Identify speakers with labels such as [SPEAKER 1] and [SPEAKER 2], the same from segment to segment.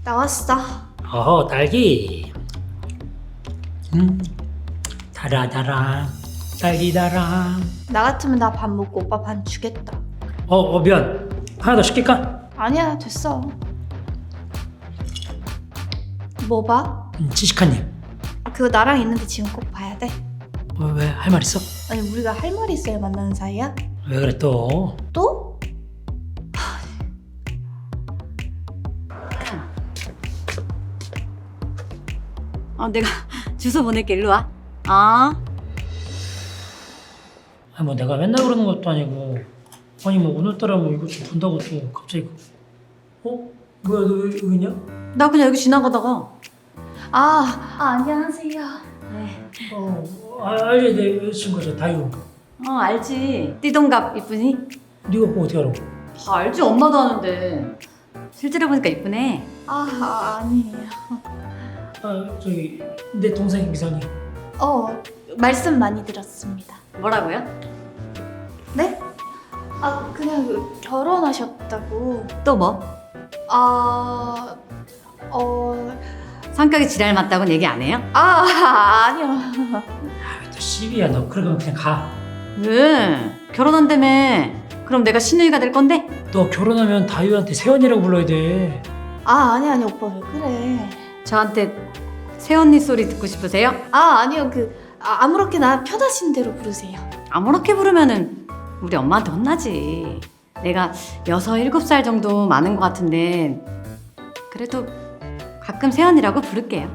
[SPEAKER 1] 나왔어.
[SPEAKER 2] 딸기. 달아 딸기 달아.
[SPEAKER 1] 나 같으면 나 반 먹고 오빠 반 주겠다.
[SPEAKER 2] 미안. 하나 더 시킬까?
[SPEAKER 1] 아니야, 됐어. 뭐 봐?
[SPEAKER 2] 지식한님.
[SPEAKER 1] 그거 나랑 있는데 지금 꼭 봐야 돼.
[SPEAKER 2] 왜 할 말 있어?
[SPEAKER 1] 아니, 우리가 할 말이 있어야 만나는 사이야?
[SPEAKER 2] 왜 그래 또?
[SPEAKER 1] 또?
[SPEAKER 3] 내가 주소 보낼게. 일로 와.
[SPEAKER 2] 뭐 내가 맨날 그러는 것도 아니고. 아니 뭐 오늘따라 뭐 이거 좀 본다고 또 갑자기. 뭐야 너 왜 여기 있냐?
[SPEAKER 3] 나 그냥 여기 지나가다가.
[SPEAKER 1] 안녕하세요.
[SPEAKER 3] 네.
[SPEAKER 2] 알지 내 여자친구죠 다유.
[SPEAKER 3] 알지. 띠동갑 이쁘니?
[SPEAKER 2] 네가 그거 어떻게 알아?
[SPEAKER 3] 다 알지. 엄마도 아는데. 실제로 보니까 이쁘네.
[SPEAKER 1] 아니에요.
[SPEAKER 2] 저기 내 동생 미선이.
[SPEAKER 1] 말씀 많이 들었습니다.
[SPEAKER 3] 뭐라고요?
[SPEAKER 1] 네? 그냥 결혼하셨다고.
[SPEAKER 3] 또 뭐? 성격이 지랄 맞다고는 얘기 안 해요?
[SPEAKER 1] 아니요.
[SPEAKER 2] 또 시비야 너. 그러면 그냥 가.
[SPEAKER 3] 왜? 결혼한다며. 그럼 내가 시누이가 될 건데?
[SPEAKER 2] 너 결혼하면 다유한테 세연이라고 불러야 돼.
[SPEAKER 1] 아니, 오빠 왜 그래?
[SPEAKER 3] 저한테 새언니 소리 듣고 싶으세요?
[SPEAKER 1] 아니요. 아무렇게나 편하신 대로 부르세요.
[SPEAKER 3] 아무렇게 부르면은 우리 엄마한테 혼나지. 내가 6, 7살 정도 많은 것 같은데 그래도 가끔 새언니라고 부를게요.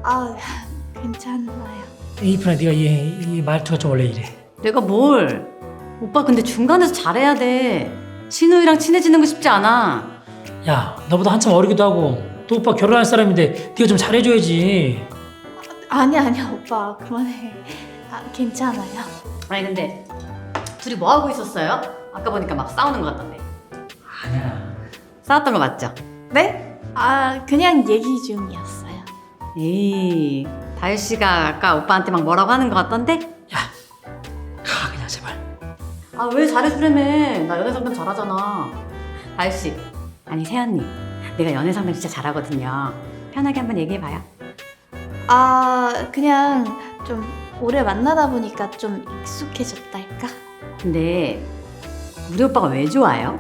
[SPEAKER 1] 괜찮아요.
[SPEAKER 2] 이쁘나 네가 이 말투가 좀 원래 이래.
[SPEAKER 3] 내가 뭘? 오빠 근데 중간에서 잘해야 돼. 신우이랑 친해지는 거 쉽지 않아.
[SPEAKER 2] 야 너보다 한참 어리기도 하고 또 오빠 결혼할 사람인데 네가 좀 잘해줘야지.
[SPEAKER 1] 아니야, 오빠 그만해. 괜찮아요.
[SPEAKER 3] 아니 근데 둘이 뭐 하고 있었어요? 아까 보니까 막 싸우는 것 같던데.
[SPEAKER 2] 아니야.
[SPEAKER 3] 싸웠던 거 맞죠?
[SPEAKER 1] 네? 그냥 얘기 중이었어요.
[SPEAKER 3] 에이, 다유 씨가 아까 오빠한테 막 뭐라고 하는 것 같던데?
[SPEAKER 2] 가 그냥 제발.
[SPEAKER 3] 왜 잘해주려며? 나 연애 상담 잘하잖아. 다유 씨, 아니 세연님, 내가 연애 상담 진짜 잘하거든요. 편하게 한번 얘기해봐요.
[SPEAKER 1] 그냥 좀 오래 만나다 보니까 좀 익숙해졌달까?
[SPEAKER 3] 근데 우리 오빠가 왜 좋아요?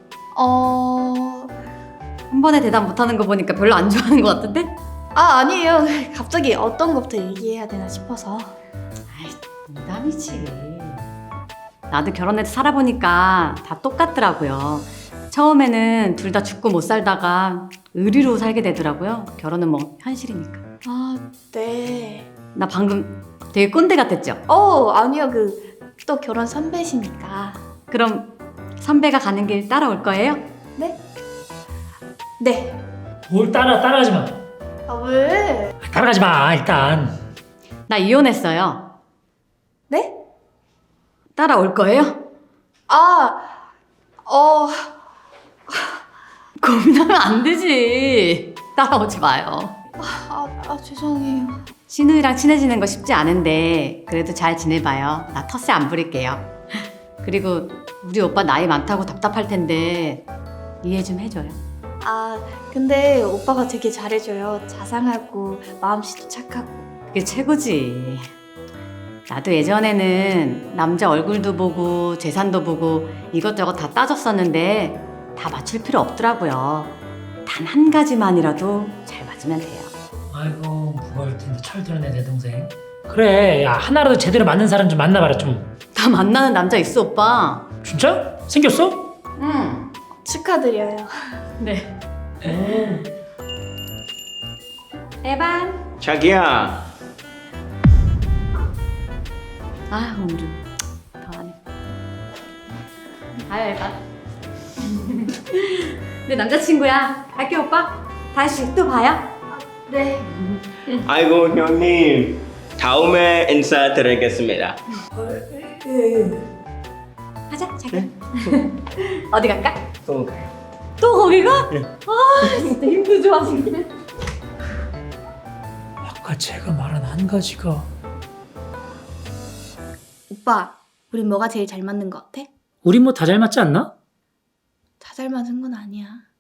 [SPEAKER 3] 한 번에 대답 못하는 거 보니까 별로 안 좋아하는 것 같은데?
[SPEAKER 1] 아니에요. 갑자기 어떤 것부터 얘기해야 되나 싶어서.
[SPEAKER 3] 농담이지. 나도 결혼해서 살아보니까 다 똑같더라고요. 처음에는 둘 다 죽고 못 살다가 의리로 살게 되더라고요. 결혼은 뭐 현실이니까.
[SPEAKER 1] 네.
[SPEAKER 3] 나 방금 되게 꼰대 같았죠?
[SPEAKER 1] 아니요. 또 결혼 선배시니까.
[SPEAKER 3] 그럼 선배가 가는 길 따라올 거예요?
[SPEAKER 1] 네? 네.
[SPEAKER 2] 뭘 따라가지 마.
[SPEAKER 1] 왜?
[SPEAKER 2] 따라가지 마 일단.
[SPEAKER 3] 나 이혼했어요.
[SPEAKER 1] 네?
[SPEAKER 3] 따라올 거예요? 고민하면 안 되지. 따라오지 마요.
[SPEAKER 1] 죄송해요.
[SPEAKER 3] 신우이랑 친해지는 거 쉽지 않은데 그래도 잘 지내봐요. 나 텃세 안 부릴게요. 그리고 우리 오빠 나이 많다고 답답할 텐데 이해 좀 해줘요.
[SPEAKER 1] 근데 오빠가 되게 잘해줘요. 자상하고 마음씨도 착하고.
[SPEAKER 3] 그게 최고지. 나도 예전에는 남자 얼굴도 보고 재산도 보고 이것저것 다 따졌었는데 다 맞출 필요 없더라고요. 단 한 가지만이라도 잘 맞으면 돼요.
[SPEAKER 2] 아이고 무거울 텐데 철들었네 내 동생. 그래 야 하나라도 제대로 맞는 사람 좀 만나봐라 좀.
[SPEAKER 3] 다 만나는 남자 있어 오빠.
[SPEAKER 2] 진짜? 생겼어?
[SPEAKER 3] 응.
[SPEAKER 1] 축하드려요.
[SPEAKER 3] 네.
[SPEAKER 2] 오.
[SPEAKER 3] 에반.
[SPEAKER 4] 자기야.
[SPEAKER 3] 오늘은 더하네. 아유 에반. 내 남자친구야. 갈게 오빠. 다시 또 봐요.
[SPEAKER 1] 네.
[SPEAKER 4] 아이고 형님. 다음에 인사드리겠습니다.
[SPEAKER 3] 가자 자기. 어디 갈까?
[SPEAKER 4] 또 가요.
[SPEAKER 3] 또 거기 가? 진짜 힘도 좋아지네.
[SPEAKER 2] 아까 제가 말한 한 가지가
[SPEAKER 1] 오빠, 우린 뭐가 제일 잘 맞는 것 같아?
[SPEAKER 2] 우리 뭐 다 잘 맞지 않나?
[SPEAKER 1] 다 잘 맞은 건 아니야.